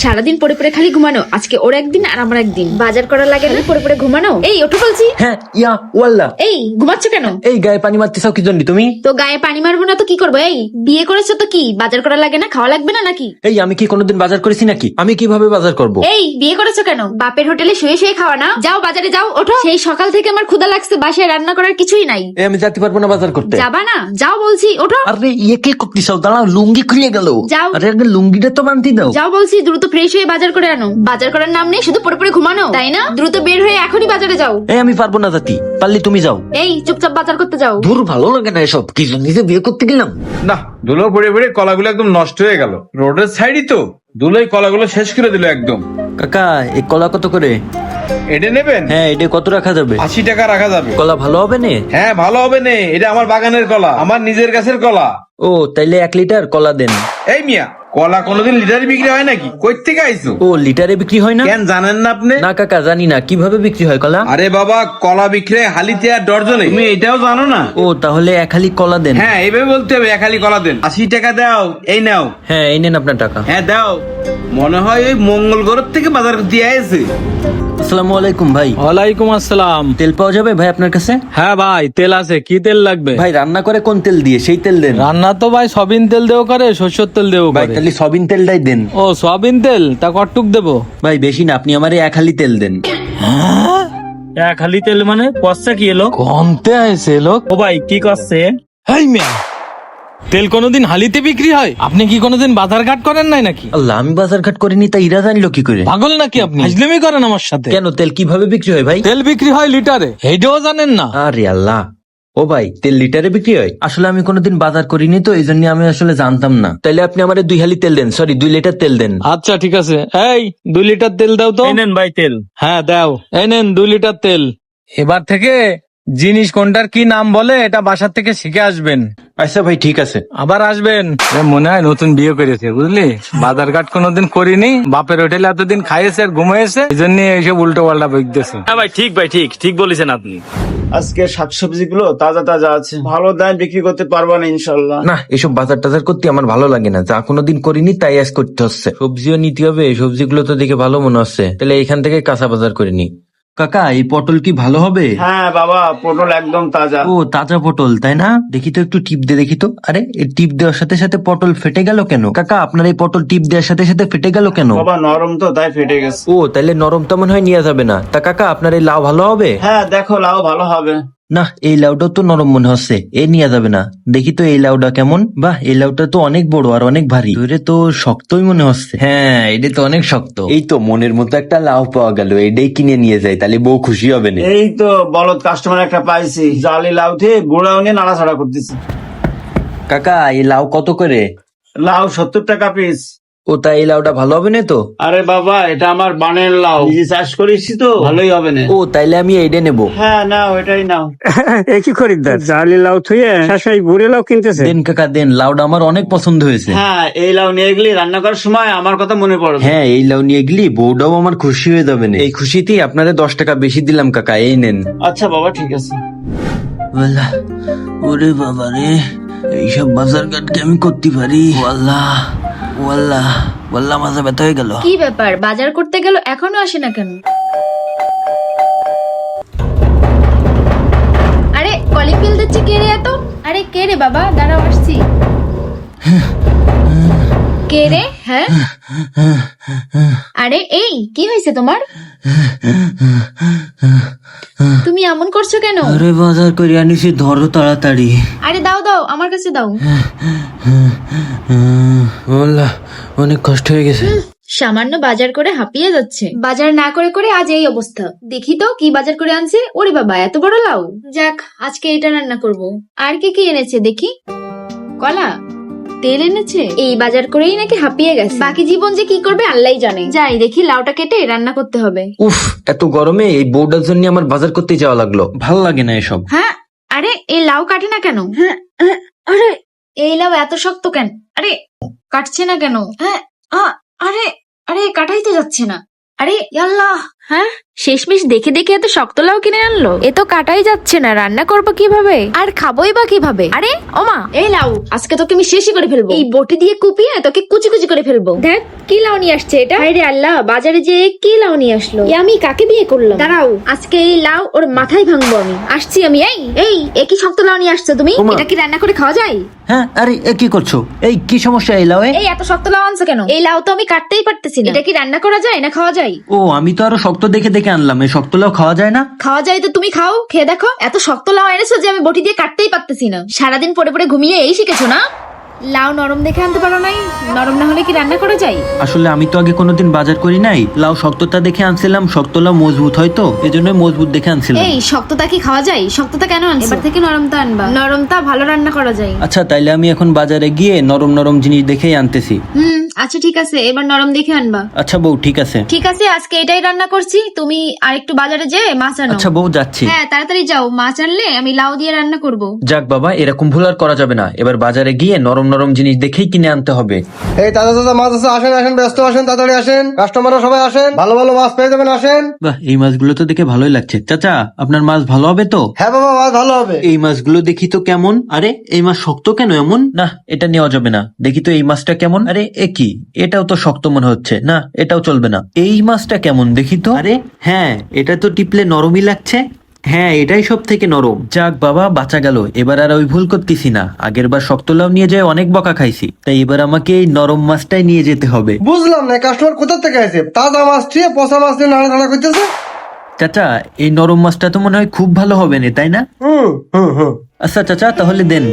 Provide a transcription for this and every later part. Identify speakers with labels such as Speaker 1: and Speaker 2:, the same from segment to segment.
Speaker 1: সারাদিন পড়ে পড়ে খালি ঘুমানো, আজকে ওর একদিন আর আমার একদিন। বাজার করা লাগে না, পড়ে পড়ে ঘুমানো। এই ওঠো বলছি।
Speaker 2: হ্যাঁ ইয়া ওয়াল্লাহ।
Speaker 1: এই ঘুমাচ্ছ কেন?
Speaker 2: এই গায়ে পানি মারতেছাও কি জন্য তুমি?
Speaker 1: তো গায়ে পানি মারবো না তো কি করবো? এই বিয়ে করেছো তো কি বাজার করা লাগে না, খাওয়া লাগবে না নাকি?
Speaker 2: এই আমি কি কোনোদিন বাজার করেছি নাকি? আমি কিভাবে বাজার করব?
Speaker 1: এই বিয়ে করেছো কেন? বাপের হোটেলে শুয়ে শুয়ে খাওয়া না? যাও বাজারে যাও, ওঠো। সেই সকাল থেকে আমার ক্ষুধা লাগছে, বাসায় রান্না করার কিছুই নাই।
Speaker 2: এই আমি যেতে পারবো না বাজার করতে।
Speaker 1: যাবা না? যাও বলছি, ওঠো।
Speaker 2: আরে ইয়ে কে করতেছাও? দাঁড়াও, লুঙ্গি খুলে গেল।
Speaker 1: যাও।
Speaker 2: আরে আগে লুঙ্গিটা তো বানতে দাও।
Speaker 1: যাও বলছি, দ্রুত ফ্রেশ হয়ে বাজার করে আনো। বাজার করার নাম নেই, শুধু পড়ে পড়ে ঘুমানো, তাই না? দ্রুত বের হয়ে এখনই বাজারে যাও।
Speaker 2: এই আমি পারবো না জাতি, পারলে তুমি যাও।
Speaker 1: এই চুপচাপ বাজার করতে যাও।
Speaker 2: দূর, ভালো লাগে না এসব। কি জন্য যে বিয়ে করতে গেলাম?
Speaker 3: না, ধুলো পড়ে পড়ে কলাগুলো একদম নষ্ট হয়ে গেল। রোডের সাইডই তো ধুলোই কলাগুলো শেষ করে দিল একদম।
Speaker 2: কাকা এই কলা কত করে?
Speaker 3: এটা নেবেন?
Speaker 2: হ্যাঁ এটা কত রাখা যাবে?
Speaker 3: 80 টাকা রাখা যাবে।
Speaker 2: কলা ভালো হবে না?
Speaker 3: হ্যাঁ ভালো হবে নে, এটা আমার বাগানের কলা, আমার নিজের গাছের কলা।
Speaker 2: ও তাইলে 1 লিটার কলা দেন।
Speaker 3: এই মিয়া, কলা কোনোদিন লিটারে বিক্রি হয় নাকি? কই থেকে আইছো?
Speaker 2: ও লিটারে বিক্রি হয় না?
Speaker 3: কেন জানেন না আপনি?
Speaker 2: না কাকা জানি না, কিভাবে বিক্রি হয় কলা?
Speaker 3: আরে বাবা, কলা বিক্রি হয় হালিতে আর ডর্জনে, তুমি এটাও জানো না?
Speaker 2: ও তাহলে 1 হালি কলা দেন।
Speaker 3: হ্যাঁ এইভাবে বলতে হবে, এক হালি কলা দেন। 80 টাকা দাও, এই নাও।
Speaker 2: হ্যাঁ এই নেন আপনার টাকা।
Speaker 3: হ্যাঁ দাও। মনে হয় ওই মঙ্গল গ্রহ থেকে বাজার দিয়ে আসছে।
Speaker 2: আসসালামু আলাইকুম ভাই।
Speaker 4: ওয়ালাইকুম আসসালাম।
Speaker 2: তেল পাওয়া যাবে ভাই আপনার কাছে?
Speaker 4: হ্যাঁ ভাই তেল আছে, কি তেল লাগবে?
Speaker 2: ভাই রান্না করে কোন তেল দিয়ে, সেই তেল দেন।
Speaker 4: রান্না তো ভাই সবিন তেল দেও করে, সরষের তেল দেও
Speaker 2: ভাই
Speaker 4: করে।
Speaker 2: তাহলে সবিন তেলটাই দেন।
Speaker 4: ও সবিন তেল, তা কটুক দেবো?
Speaker 2: ভাই বেশি না, আপনি আমারে 1 হালি তেল দেন।
Speaker 5: এক হালি তেল মানে কষা কি এলো?
Speaker 4: কমতে আছে লোক।
Speaker 5: ও ভাই কি করছে?
Speaker 4: হেই মিয়া, তেল কোনোদিন হালিতে বিক্রি হয়? আপনি কি কোনোদিন বাজার ঘাট করেন নাই নাকি?
Speaker 2: আল্লাহ, আমি বাজার ঘাট করিনি, তা ইরা জানলো কি করে?
Speaker 4: পাগল নাকি আপনি? হাজলামি করেন আমার সাথে?
Speaker 2: কেন, তেল কিভাবে বিক্রি হয় ভাই?
Speaker 4: তেল বিক্রি হয় লিটারে, এইটাও জানেন না?
Speaker 2: আরে আল্লাহ, ও ভাই তেল লিটারে বিক্রি হয়? আসলে আমি কোনোদিন বাজার করিনি তো, এই জন্য আমি আসলে জানতাম না। তাইলে আপনি আমারে 2 হালি তেল দেন, সরি 2 লিটার তেল দেন।
Speaker 4: আচ্ছা ঠিক আছে, এই 2 লিটার তেল দাও তো।
Speaker 5: এই নেন ভাই তেল।
Speaker 4: হ্যাঁ দাও, এই নেন 2 লিটার তেল। এবার থেকে জিনিস কোনটার কি নাম বলে এটা বাসার থেকে শিখে আসবেন।
Speaker 2: আচ্ছা ভাই ঠিক আছে।
Speaker 4: আবার আসবেন। মনে হয় নতুন বিয়ে করেছে বুঝলি, বাজার ঘাট কোনোদিন করিনি, বাপের হোটেলে এতদিন খাইয়েছে আর ঘুমাইছে, এই জন্য এইসব উল্টো পাল্টা বইতেছে।
Speaker 5: হ্যাঁ ভাই ঠিক বলেছেন আপনি।
Speaker 6: আজকে শাকসবজি গুলো তাজা তাজা আছে, ভালো দাম বিক্রি করতে পারবো না ইনশাল্লাহ।
Speaker 2: না এসব বাজার টাজার করতে আমার ভালো লাগে না, যা কোনোদিন করিনি তাই আজ করতে হচ্ছে। সবজিও নিতে হবে, সবজিগুলো তো দেখে ভালো মনে হচ্ছে, তাহলে এখান থেকে কাঁচা বাজার করিনি। কাকা এই পটল কি ভালো হবে?
Speaker 6: হ্যাঁ বাবা, পটল একদম তাজা।
Speaker 2: ও তাজা পটল তাই না? দেখি তো একটু টিপ দিয়ে দেখি তো। আরে এই টিপ দেওয়ার সাথে সাথে পটল ফেটে গেল কেন? কাকা আপনার এই পটল টিপ দেওয়ার সাথে সাথে ফেটে গেল কেন?
Speaker 6: বাবা নরম তো তাই ফেটে গেছে।
Speaker 2: ও তাইলে নরম তো মনে হয় নেওয়া যাবে না। তা কাকা আপনার এই লাউ ভালো হবে?
Speaker 6: হ্যাঁ দেখো, লাউ ভালো হবে।
Speaker 2: না এই লাউটাও তো নরম মনে হচ্ছে, এ নেওয়া যাবে না। দেখি তো এই লাউটা কেমন। বাহ এই লাউটা তো অনেক বড় আর অনেক ভারী, ধরে তো শক্তই মনে হচ্ছে। হ্যাঁ এটা তো অনেক শক্ত। এই তো মনের মতো একটা লাউ পাওয়া গেল, এটাই কিনে নিয়ে যাই, তাহলে বউ খুশি হবে না।
Speaker 6: এই তো বলদ কাস্টমার একটা পাইছি, জালি লাউ দিয়ে গুঁড়াও নিয়ে নাড়াচাড়া করতেছি।
Speaker 2: কাকা এই লাউ কত করে?
Speaker 6: লাউ 70 টাকা পিস।
Speaker 2: ও তা এই লাউটা ভালো হবে না তো?
Speaker 6: আরে বাবা, এটা আমার বানের লাউ, নিজে চাষ করেছি তো, ভালোই হবে না।
Speaker 2: ও তাইলে আমি এইটা নেবো।
Speaker 6: হ্যাঁ নাও, এটাই নাও।
Speaker 7: একই খরিদ্দার, জালি লাউ থুয়ে শাশুড়ি বুড়ে লাউ কিনতেছে।
Speaker 2: দেন কাকা দেন, লাউটা আমার অনেক পছন্দ হয়েছে।
Speaker 6: হ্যাঁ এই লাউ নিয়ে গেলে রান্না করার সময় আমার কথা মনে পড়বে।
Speaker 2: হ্যাঁ এই লাউ নিয়ে গেলি বউটাও আমার খুশি হয়ে যাবে না। এই খুশিতেই আপনাদের 10 টাকা বেশি দিলাম কাকা, এই নেন।
Speaker 6: আচ্ছা বাবা ঠিক আছে।
Speaker 2: আল্লাহ, ওরে বাবা রে, এইসব বাজার ঘাট কি আমি করতে পারি? আল্লাহ ওয়াল্লাহ ওয়াল্লাহ, মাথা ব্যথা হয়ে গেল।
Speaker 1: কি ব্যাপার, বাজার করতে গেল এখনো আসে না কেন? আরে কলিং বেল দিচ্ছে, কে রে এত? আরে কে রে বাবা, দাঁড়াও আসছি। কে রে? হ্যাঁ আরে এই কি হয়েছে তোমার? তুমি এমন করছো কেন?
Speaker 2: আরে বাজার করে আনিছি, ধরো তাড়াতাড়ি।
Speaker 1: আরে দাও দাও, আমার কাছে দাও।
Speaker 2: আল্লাহ অনেক কষ্ট হয়ে গেছে।
Speaker 1: সামান্য বাজার করে হাঁপিয়ে যাচ্ছে। বাজার না করে করে আজ এই অবস্থা। দেখি তো কি বাজার করে আনছে। ওরে বাবা এত বড় লাউ। যাক আজকে এটা রান্না করব। আর কি কি এনেছে দেখি? কলা, তেল এনেছে। এই বাজার করেই নাকি হাঁপিয়ে গেছে। বাকি জীবন যে কি করবে আল্লাহই জানে। যাই দেখি, লাউটা কেটে রান্না করতে হবে।
Speaker 2: উফ এত গরমে এই বউটার জন্য আমার বাজার করতে যাওয়া লাগলো, ভাল লাগে না এসব।
Speaker 1: হ্যাঁ আরে এই লাউ কাটে না কেন? হ্যাঁ আরে এই লাউ এত শক্ত কেন? আরে কাটছে না কেন? হ্যাঁ আরে আরে কাটাই তো যাচ্ছে না। আরে আল্লাহ, হ্যাঁ, শেষমেশ দেখে দেখে এত শক্ত লাউ কিনে আনলো। এ তো কাটাই যাচ্ছে না, রান্না করবো কিভাবে আর খাবোই বা কিভাবে? আরে ওমা, এই লাউ আজকে তোকে আমি শেষই করে ফেলবো। এই বটি দিয়ে কুপিয়ে তোকে কুচি কুচি করে ফেলবো। দেখ কি লাউ নিয়ে আসছে এটা। হায়রে আল্লাহ, বাজারে যে কি লাউ নিয়ে আসলো। এ আমি কাকে বিয়ে করলাম? দাঁড়াও, আজকে এই লাউ ওর মাথায় ভাঙবো আমি। আসছি আমি। এই কি শক্ত লাউ নিয়ে আসছো তুমি?
Speaker 2: ওমা।
Speaker 1: এটা কি রান্না করে খাওয়া যায়?
Speaker 2: হ্যাঁ, আরে এ কি করছো? এই কি সমস্যা এই লাউয়ে?
Speaker 1: এই এত শক্ত লাউ আনছো কেন? এই লাউ তো আমি কাটতেই পারতেছি না। এটা কি রান্না করা যায় না খাওয়া যায়?
Speaker 2: ও, আমি তো আরো শক্ত দেখে দেখে আনলাম। এই শক্ত লাউ খাওয়া যায় না?
Speaker 1: খাওয়া যায় তো তুমি খাও, খেয়ে দেখো। এত শক্ত লাউ এনেছো যে আমি বটি দিয়ে কাটতেই পারতেছি না। সারাদিন পড়ে পড়ে ঘুমিয়ে এই শিখেছো না? লাউ নরম দেখে আনতে পারো নাই? নরম না হলে কি রান্না করা যায়?
Speaker 2: আসলে আমি তো আগে কোনোদিন বাজার করি নাই। লাউ শক্ততা দেখে আনছিলাম, শক্ত লাউ মজবুত হয় তো, এজন্য মজবুত দেখে আনছিলাম।
Speaker 1: এই শক্ততা কি খাওয়া যায়? শক্ততা কেন আনছো? এবার থেকে নরমতা আনবা। নরমতা ভালো রান্না করা যায়।
Speaker 2: আচ্ছা, তাইলে আমি এখন বাজারে গিয়ে নরম নরম জিনিস দেখেই আনতেছি।
Speaker 1: আচ্ছা ঠিক আছে, এবার নরম দেখে আনবা।
Speaker 2: আচ্ছা বউ, ঠিক আছে।
Speaker 1: ঠিক আছে, আজকে এটাই রান্না করছি। তুমি আরেকটু বাজারে যেয়ে মাছ আনো।
Speaker 2: আচ্ছা বউ, যাচ্ছি।
Speaker 1: হ্যাঁ তাড়াতাড়ি যাও, মাছ আনলে আমি লাউ দিয়ে রান্না করব।
Speaker 2: যাক বাবা, এরকম ভুল আর করা যাবে না। এবার বাজারে গিয়ে নরম নরম জিনিস দেখেই কিনে আনতে হবে।
Speaker 8: এই দাদা দাদা মাছ আছে, আসেন আসেন, ব্যস্ত আসেন, তাড়াতাড়ি আসেন, কাস্টমাররা সবাই আসেন, ভালো ভালো মাছ পেয়ে যাবেন, আসেন।
Speaker 2: বাহ, এই মাছগুলো তো দেখে ভালোই লাগছে। চাচা, আপনার মাছ ভালো হবে তো?
Speaker 8: হ্যাঁ বাবা, মাছ ভালো হবে।
Speaker 2: এই মাছগুলো দেখি তো কেমন। আরে এই মাছ শক্ত কেন এমন? না, এটা নেওয়া যাবে না। দেখি তো এই মাছটা কেমন। আরে এ কি, এটাও তো শক্ত মনে হচ্ছে। না, এটাও চলবে না। এই মাছটা কেমন দেখি তো। আরে হ্যাঁ, এটা তো টিপলে নরমই লাগছে। হ্যাঁ, এটাই সব থেকে নরম। যাক বাবা, বাঁচা গেল। এবার আর ওই ভুল করতেছি না। আগের বার শক্ত লাউ নিয়ে যায় অনেক বকা খাইছি, তাই এবার আমাকে এই নরম মাছটাই নিয়ে যেতে হবে।
Speaker 8: বুঝলাম না, কাস্টমার কোথা থেকে আসে? তাজা মাছ ঠিক পচা মাছ নিয়ে নাড়াচাড়া করতেছে।
Speaker 2: চাচা, এই নরম মাছটা তো মনে হয় খুব ভালো হবে না, তাই না?
Speaker 8: হুম।
Speaker 2: আচ্ছা চাচা, তাহলে দেন,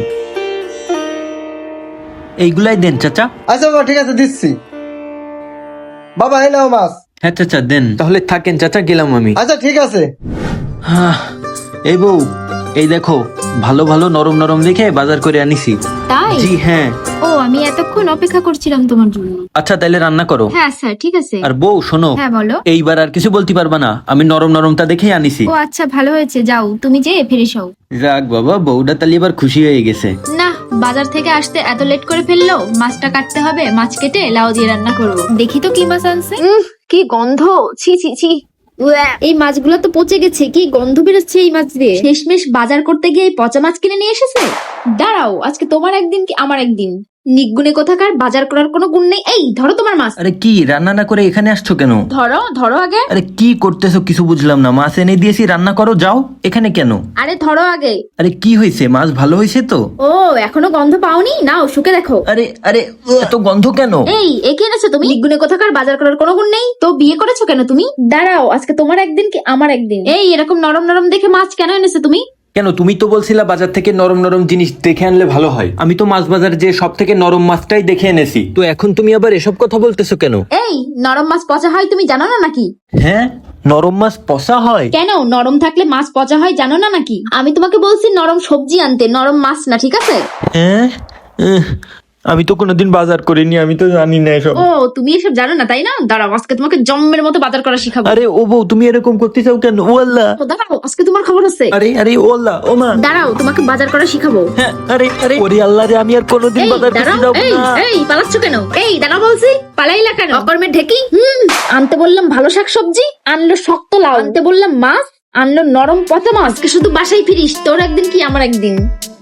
Speaker 2: এইগুলাই দেন চাচা।
Speaker 8: আচ্ছা বাবা, ঠিক আছে, দিচ্ছি। বাবা এই নাও মাছ।
Speaker 2: হ্যাঁ চাচা, দেন। তাহলে থাকেন চাচা, গেলাম আমি।
Speaker 8: আচ্ছা ঠিক আছে।
Speaker 2: এই বউ, এই দেখো, ভালো ভালো নরম নরম দেখে বাজার করে আনিছি।
Speaker 1: তাই?
Speaker 2: জি হ্যাঁ।
Speaker 1: ও, আমি এতক্ষণ অপেক্ষা করছিলাম তোমার জন্য।
Speaker 2: আচ্ছা, তাইলে রান্না করো।
Speaker 1: হ্যাঁ স্যার, ঠিক আছে।
Speaker 2: আর বউ শোনো,
Speaker 1: হ্যাঁ বলো।
Speaker 2: এইবার আর কিছু বলতে পারবা না। আমি নরম নরমটা দেখেই আনিছি।
Speaker 1: ও আচ্ছা, ভালো হয়েছে। যাও তুমি যে ফ্রেশ হও।
Speaker 2: যাক বাবা, বউটা তাহলে এবার খুশি হয়ে গেছে।
Speaker 1: না, বাজার থেকে আসতে এত লেট করে ফেললো। মাছটা কাটতে হবে, মাছ কেটে লাউ দিয়ে রান্না করব। দেখি তো কি মাছ আনছে। কি গন্ধ! ছি ছি ছি। এই মাছগুলো তো পচে গেছে, কি গন্ধ বেরোচ্ছে এই মাছ দিয়ে। শেষমেশ বাজার করতে গিয়ে এই পচা মাছ কিনে নিয়ে এসেছে। দাঁড়াও, আজকে তোমার একদিন কি আমার একদিন। নিগুণে কোথাকার, বাজার করার কোনো গুণ নেই। এই ধরো তোমার মাছ।
Speaker 2: আরে কি, রান্না না করে এখানে আসছো কেন?
Speaker 1: ধরো আগে।
Speaker 2: আরে কি করতেছো কিছু বুঝলাম না। মাছ এনে দিয়েছি, রান্না করো, যাও। এখানে কেন?
Speaker 1: আরে ধরো আগে।
Speaker 2: আরে কি হয়েছে? মাছ ভালো হয়েছে তো?
Speaker 1: ও, এখনো গন্ধ পাওনি? নাও শুকে দেখো।
Speaker 2: আরে আরে, এত গন্ধ কেন?
Speaker 1: এই একে এনেছো তুমি? নিগুণে কোথাকার, বাজার করার কোনো গুণ নেই তো বিয়ে করেছো কেন তুমি? দাঁড়াও, আজকে তোমার একদিন কি আমার একদিন। এই এরকম নরম নরম দেখে মাছ কেন এনেছো তুমি?
Speaker 2: কেন, তুমি তো বলছিলা বাজার থেকে নরম নরম জিনিস দেখে আনলে ভালো হয়। আমি তো মাছ বাজার যে সব থেকে নরম মাছটাই দেখে এনেছি। তো এখন তুমি আবার এসব কথা বলতেছো কেন?
Speaker 1: এই নরম মাছ পচা হয় তুমি জানো না নাকি?
Speaker 2: হ্যাঁ, নরম মাছ পচা হয়?
Speaker 1: কেন, নরম থাকলে মাছ পচা হয় জানো না নাকি? আমি তোমাকে বলছি নরম সবজি আনতে, নরম মাছ না, ঠিক আছে?
Speaker 2: হ্যাঁ, আমি তো কোনোদিন বাজার করিনি, আমি তো জানি না এসব।
Speaker 1: ও, তুমি এসব জানো না তাই না? দাঁড়াও, আজকে তোমাকে জম্মের মতো বাজার করা শিখাবো।
Speaker 2: আরে ও বউ, তুমি এরকম করতে চাও কেন? ও আল্লাহ।
Speaker 1: ও দাঁড়াও, আজকে তোমার খবর আছে।
Speaker 2: আরে আরে, ও আল্লাহ, ও মা।
Speaker 1: দাঁড়াও, তোমাকে বাজার করা শিখাবো।
Speaker 2: হ্যাঁ, আরে আরে, ওরে আল্লাহ রে, আমি আর কোনোদিন
Speaker 1: এই
Speaker 2: বাজার করতে
Speaker 1: দাঁড়াও,
Speaker 2: যাবো না।
Speaker 1: এই পালাচ্ছ কেন? এই দাঁড়াও বলছি, পালাইলা কেন? অকর্মের ঢেকি। আনতে বললাম ভালো শাকসবজি, আনলো শক্ত লাউ। আনতে বললাম মাছ, আনলো নরম পচা মাছ। আজকে শুধু বাসায় ফিরিস, তোর একদিন কি আমার একদিন।